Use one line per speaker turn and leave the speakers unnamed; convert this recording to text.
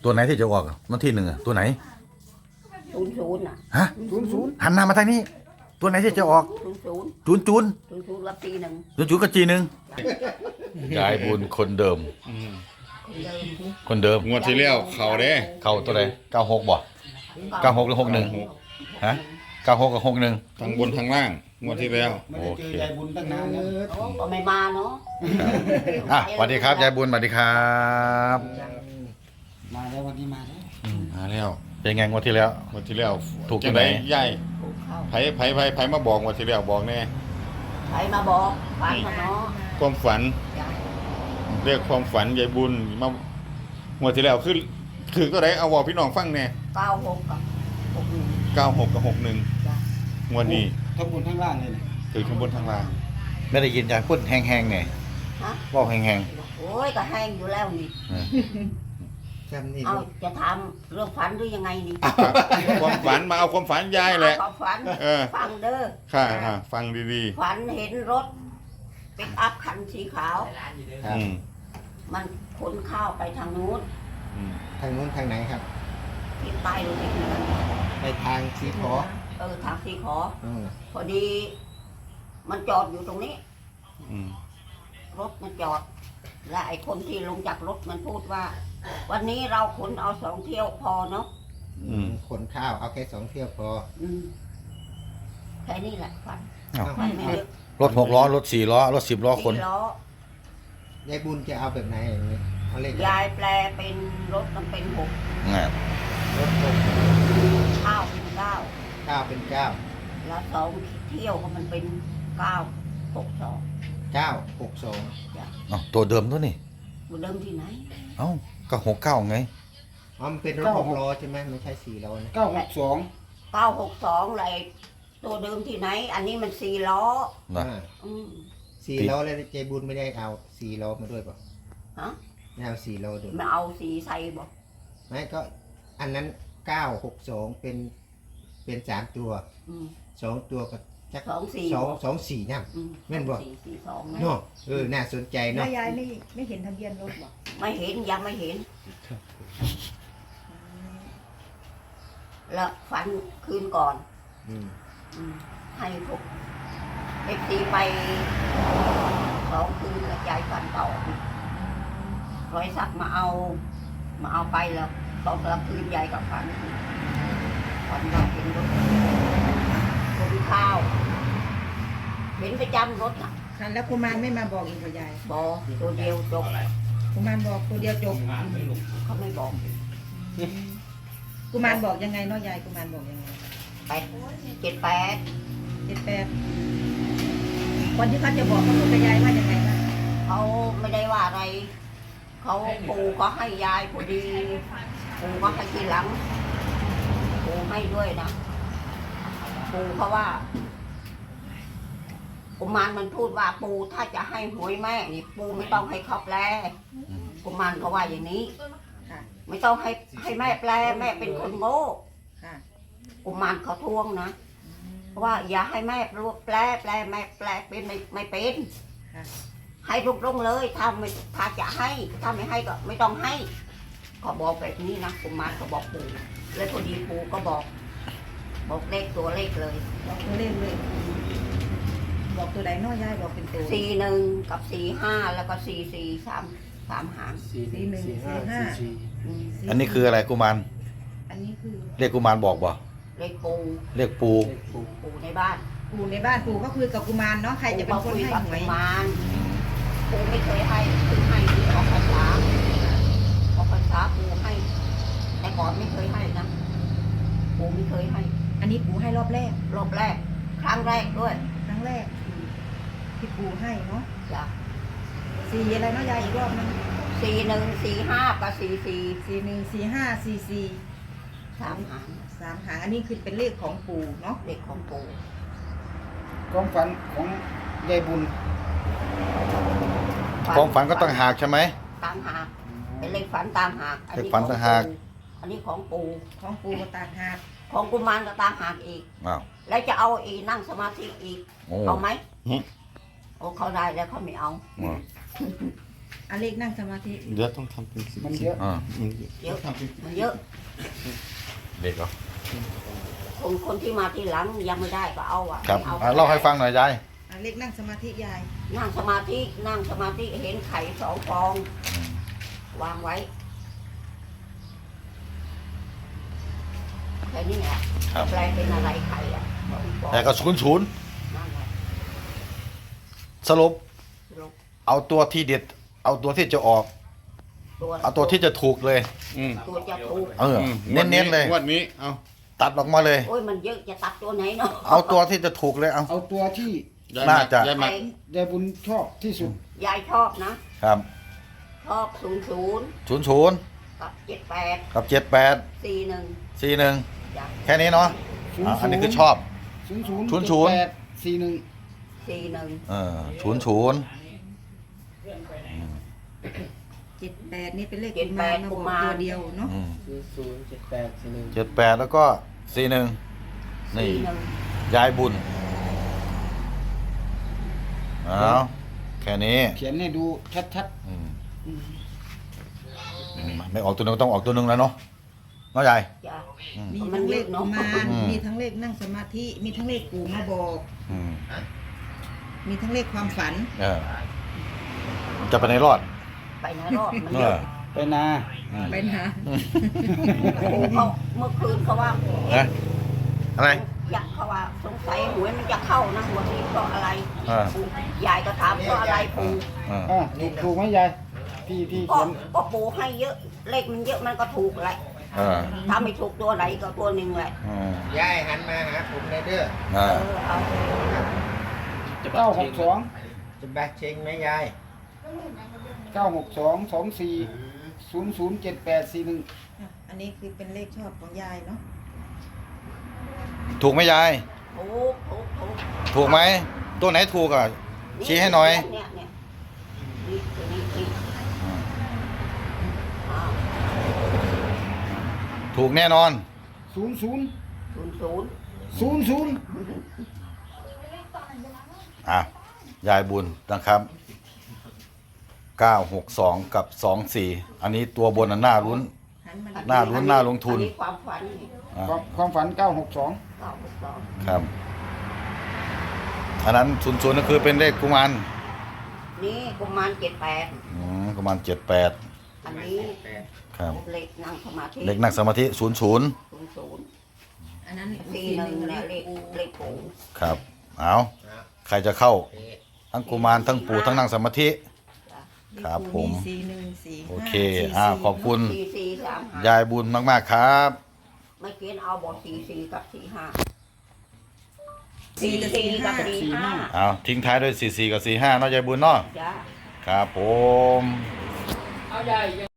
ตัวไหนที่จะออกวันที่หนึ่งตัวไหน
00น่ะ
ฮะหันหน้ามาทางนี้ ตัวไหนที่จะออก
00
จูนจูน
00รับปีหนึ่ง
จูนจูนก็จีหนึ่งยายบุญคนเดิม คนเดิม
งวดที่แล้วเขาเด้
เข้าตัวไหน96บ่96หรือ61ฮะ96กับ61
ทั้งบนทั้งล่างงวดที่แล้ว
ไม่ได้เจอยายบุญตั้งนานแล้ว
ก็ไม่มาเนาะ
อ่ะสวัสดีครับยายบุญสวัสดีครับ
มาแล้ววันนี้มาแล้ว
มาแล้ว
เป็นไงงวดที่แล้ว
งวดที่แล้ว
ถูก
จัง
ไหน
ไดยาย
ปลูกข้าว
ไผมาบอกงวดที่แล้วบอกแน่
ใครมาบอกฝันมาเนาะ
ความฝัน
จ้ะ
เรียกความฝันยายบุญมางวดที่แล้วคือตัวไหนเอาบอกพี่น้องฟังแน่
96กับ61
96กับ61
จ้ะ
งวดนี้
ทั้งบนทั้งล่างเลยนะ
คือข้างบนข้างล่าง
ไม่ได้ยินยายพูดแห้งๆเนี่ย
ฮะ
บอกแห้ง
โอ้ยก็แห้งอยู่แล้วนี่
จำนี่
เอาจะถามเรื่องฝันหรือยังไงนี่
ความฝันมาเอาความฝันยายแหละ
ความฝัน
เออ
ฟังเด้อ
ค่ะฟังดี
ฝันเห็นรถปิกอัพคันสีขาว
ๆอืม
มันขนข้าวไปทางนู้น
อืม
ทางนู้นทางไหนครับ
ทิศใต้หรือทิศเหนือ
ไปทางสีขอ
ทางสีขอ
อืม
พอดี มันจอดอยู่ตรงนี้
อืม
รถมันจอด และไอ้คนที่ลงจากรถมันพูดว่า วันนี้เราขนเอา2 เที่ยวพอเนาะ
ขนข้าวเอาแค่2 เที่ยวพอ
อืมแค่นี้แหละฝัน
ๆอ้าว
ไม่เยอะ
รถ6 ล้อรถ4 ล้อรถ10 ล้อคน
4 ล้อย
ายบุญจะเอาแบบไหนอย่างนี้เอาเลข
ยายแปลเป็นรถมันเป็น6
อ่าร
ถ6
ข้าวเป็น9
9เป็น9
แล้ว2 เที่ยวก็มันเป็น9 6 2
9 6 2
อ้าวตัวเดิมตัวนี่
มันเดิมที่ไหน
เอ้าก็69ไง
อ๋อมันเป็นรถ6 ล้อใช่ไหมไม่ใช่4 ล้อนะ
962เลยตัวเดิมที่ไหน อันนี้มัน4 ล้อ
นะ
อืม
4 ล้อแล้วยายบุญไม่ได้เอา4 ล้อมาด้วยป่ะ
ฮะ
ไม่เอา4 ล้อด้วย
มาเอาสีใส่บอก
ไม่ก็อันนั้น962เป็น3 ตัว
อืม
2 ตัวก็จัก
2 4
2 4นั่น
อืม
แม่นบ่
4 4 2นะ
เนาะน่าสนใจ
แล้
เนาะ
วยายไม่เห็นทะเบียนรถหรอ
ไม่เห็นยังไม่เห็น แล้วฝันคืนก่อน
อืม
อืมให้พวกเอฟซีไป2 คืนแล้วยายฝันต่อร้อยสักมาเอาไปแล้วตอนกลางคืนยายกับฝันว่าเห็นรถคนข้าวเห็นประจำรถน่ะ
ค่ะแล้วกุมารไม่มาบอกอีกเหรอยาย
บอตัวเดียวจบ
กุมารบอกตัวเดียวจบ
เขาไม่บอก
กุมารบอกยังไงเนาะยายกุมารบอกยังไง
78
78คนที่เขาจะบอกเขาพูดกับยายว่ายังไงบ้าง
เขาไม่ได้ว่าอะไร เขาปู่ก็ให้ยายพอดี ปู่ก็ให้ทีหลัง ปู่ให้ด้วยนะ ปู่เขาว่ากุมารมันพูดว่าปู่ถ้าจะให้หวยแม่นี่ปู่ไม่ต้องให้เขาแปลกุมารเขาว่าอย่างนี้
ค่ะ
ไม่ต้องให้แม่แปลแม่เป็นคนโง่
ค่ะ
กุมารเขาทวงนะเพราะว่าอย่าให้แม่แปลแม่แปลเป็นไม่เป็น
ค่ะ
ให้ตรงๆเลยถ้าจะให้ถ้าไม่ให้ก็ไม่ต้องให้เขาบอกแบบนี้นะกุมารเขาบอกปู่แล้วพอดีปู่ก็บอกเลขตัวเลขเลย
บอกตัวเลขเลยบอกตัวไหนเนาะยายบอกเป็นตัว
41กับ45แล้วก็44 3 หาง
41 45
อืม
อันนี้คืออะไรกุมาร
อันนี้คือ
เรียกกุมารบอกบ่
เลขปู่
เรียกปู
ปู่ในบ้าน
ปู่ในบ้านปู่ก็คุยกับกุมารเนาะใครจะเป็นคนให้
กับ
หวย
กุมารปู่ไม่เคยให้คือให้ที่ออกพรรษาปู่ให้ แต่ก่อนไม่เคยให้นะปู่ไม่เคยให้
อันนี้ปู่ให้รอบแรก
รอบแรก ครั้งแรกด้วย
ครั้งแรกที่ปู่ให้เนาะ
จ้ะ
สี่อะไรเนาะยายอีกรอบนึง
41 45กับ44
41 45 44
3 หาง
3 หางอันนี้คือเป็นเลขของปู่เนาะ
เด็กของปู่
ความฝันของยายบุญ
ความฝันก็ต้องหากใช่ไหม
ตามหากเป็นเลขฝันตามหาก
เลขฝันต่างหาก
อันนี้ของปู่
ของปู่ก็ต่างหาก
ของกุมารก็ตามหากอีก
อ้าว
แล้วจะเอาอีนั่งสมาธิอีก
โอ้
เอาไหม
หึ
โอ้เขาได้แล้วเขาไม่เอา
อ่า
อันเลขนั่งสมาธิ
เดี๋ยวต้องทำเป็น
มันเยอะ
อ่า
เยอะมันเยอะ
เด็กเหรอ
คนที่มาที่หลังยังไม่ได้ก็เอาอ่ะ
ครับ
ไม่เอา
เล่าให้ฟังหน่อยยาย
อันเลขนั่งสมาธิยาย
นั่งสมาธิเห็นไข่2 ฟอง วางไว้แค่นี้แหละ
ครับ
แปลเป็นอะไรไข่อ่ะ2 ฟอง
แต่ก็ศูนย์
นั่นแหละ
สรุป
ลูก
เอาตัวที่เด็ด เอาตัวที่จะออก เอาตัวที่จะถูกเลย
อืม
ตัวจะถูก
เออ เน้นๆเลย
งวดนี้เอา
ตัดออกมาเลย
โอ้ยมันเยอะจะตัดตัวไหนเนาะ
เอาตัวที่จะถูกเลยเอา
เอาตัวที่
น่าจะ
ยายหมัด
ยายบุญชอบที่สุด
ยายชอบนะครับ ชอบ00 กับ 78
กับ
41
78 41
จ้ะ
แค่นี้เนาะ
00
อันนี้คือชอบ
00 78 41
41
00
78นี่เป็นเลขกุมารมาบอกตัวเดียวเนาะ
78แล้วก็41นี่
41
ยายบุญเอาแค่นี้
เขียนให้ดูชัด
อืมไม่ออกตัวหนึงก็ต้องออกตัวหนึงแล้วเนาะเนาะยาย
จ้ะ
อืม
มีทั้งเลขกุมาร
อืม
มีทั้งเลขนั่งสมาธิ มีทั้งเลขปู่มาบอก
อืม
มีทั้งเลขความฝัน
เออจะไปในรอด
ไปไหนรอดมัน
เอ
เย
อ
อะ
ๆ ไปนา
ไปนะ
โอ้เขาเมื่อคืนเขาว่า
เอ๊ะอะไร
อยากเขาว่าสงสัยหวยมันจะเข้านะหัวนี้เพราะอะไร
อ่า
ปู่ยายก็ถามเพราะอะไรปู่
อ่า
อ่ะถูกไหมยายที่
ก็
เขียน
ก็ปู่ให้เยอะเลขมันเยอะมันก็ถูกแหละ
เออ
ถ้าไม่ถูกตัวไหนก็ตัวหนึ่งแหละ
อืม
ยายหันมาหาผมเลยเด้อ
อ่า
เอา
962จะแบกเชงไหมยาย962 24 007841
อันนี้คือเป็นเลขชอบของยายเนาะ
ถูกไหมยาย
ถูก
ถูกไหมตัวไหนถูกอ่ะ ชี้ให้หน่อย
เนี่ยนี่ตัวนี้อ้าว
ถูกแน่นอน
00
00
00
อ่ะยายบุญนะครับ 962 กับ 24 อันนี้ตัวบนน่ะน่าลุ้น
หันมา
น่าลุ้นน่าลงทุน
อัความฝันนี่
อ่ะ
ความฝัน 962
962
ครับ อันนั้น00นั่นคือเป็นเลขกุมาร
นี่กุมาร78
กุมาร78
อันนี้
ครับ
เลขนั่งสมาธิ
เลขนั่งสมาธิ00
00
อันนั้น
41เนี่ยเลขปู่
ครับ เอาใครจะเข้า ทั้งกุมารทั้งปู่ทั้งนั่งสมาธิ ครับผม
4145
โอเคขอบคุณ
4435
ยายบุญมากๆครับ
ไม่เกินเอาบอก44กับ45
4กับ
44กับ
45
เอาทิ้งท้ายด้วย44กับ45เนาะยายบุญเนาะ
จ้า
ครับผม